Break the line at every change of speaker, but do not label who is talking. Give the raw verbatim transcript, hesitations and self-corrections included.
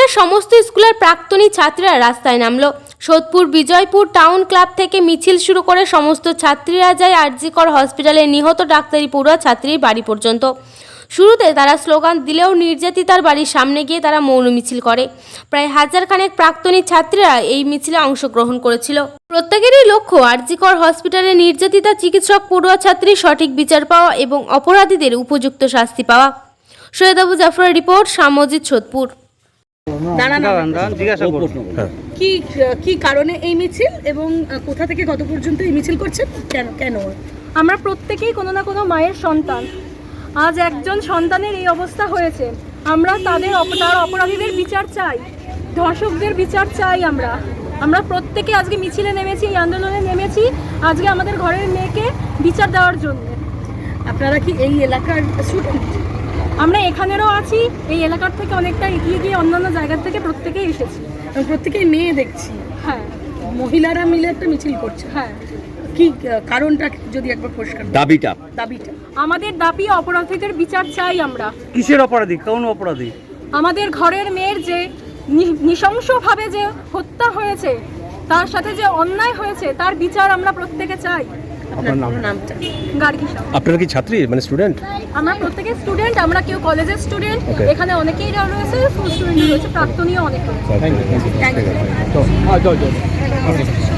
সমস্ত স্কুলের প্রাক্তনী ছাত্রীরা রাস্তায় নামলো। সোদপুর বিজয়পুর টাউন ক্লাব থেকে মিছিল শুরু করে সমস্ত ছাত্রীরা যায় আর জি কর হসপিটালে নিহত ডাক্তারি পড়ুয়া ছাত্রীর বাড়ি পর্যন্ত। শুরুতে তারা স্লোগান দিলেও নির্যাতিতার বাড়ির সামনে গিয়ে তারা মৌন মিছিল করে। প্রায় হাজার খানেক প্রাক্তনী ছাত্রীরা এই মিছিলে অংশগ্রহণ করেছিল। প্রত্যেকেরই লক্ষ্য আর জি কর হসপিটালে নির্যাতিতা চিকিৎসক পড়ুয়া ছাত্রীর সঠিক বিচার পাওয়া এবং অপরাধীদের উপযুক্ত শাস্তি পাওয়া। সৈয়দ আবু জাফরের রিপোর্ট, সামজিদ, সোদপুর।
কি কি কারণে এই মিছিল এবং কোথা থেকে কত পর্যন্ত এই মিছিল করছেন? কেন কেন
আমরা প্রত্যেকেই কোনো না কোনো মায়ের সন্তান। আজ একজন সন্তানের এই অবস্থা হয়েছে, আমরা তাদের তার অপরাধীদের বিচার চাই, ধর্ষকদের বিচার চাই। আমরা আমরা প্রত্যেকে আজকে মিছিলে নেমেছি, এই আন্দোলনে নেমেছি আজকে আমাদের ঘরের মেয়েকে বিচার দেওয়ার জন্য।
আপনারা কি এই এলাকার স্টুডেন্ট?
আমরা এখানেরও আছি, এই এলাকার থেকে অনেকটা এগিয়ে গিয়ে অন্যান্য জায়গার থেকে প্রত্যেকেই এসেছি।
প্রত্যেকেই মেয়ে দেখছি।
হ্যাঁ,
মহিলারা মিলে একটা মিছিল করছে।
হ্যাঁ,
কি কারণটা যদি একবার পরিষ্কার?
দাবিটা
দাবিটা
আমাদের দাবি অপরাধীদের বিচার চাই। আমরা
কিসের অপরাধী? কোন অপরাধী?
আমাদের ঘরের মেয়ের যে নৃশংসভাবে যে হত্যা হয়েছে, তার সাথে যে অন্যায় হয়েছে, তার বিচার আমরা প্রত্যেকে চাই।
আপনার নামটা?
গার্গী সাহা।
আপনারা কি ছাত্রী মানে স্টুডেন্ট?
আমরা প্রত্যেকে স্টুডেন্ট, আমরা কেউ কলেজের স্টুডেন্ট, এখানে অনেকেই রয়েছে, স্কুল স্টুডেন্ট রয়েছে, প্রাক্তনীয় অনেক রয়েছে।
Thank you.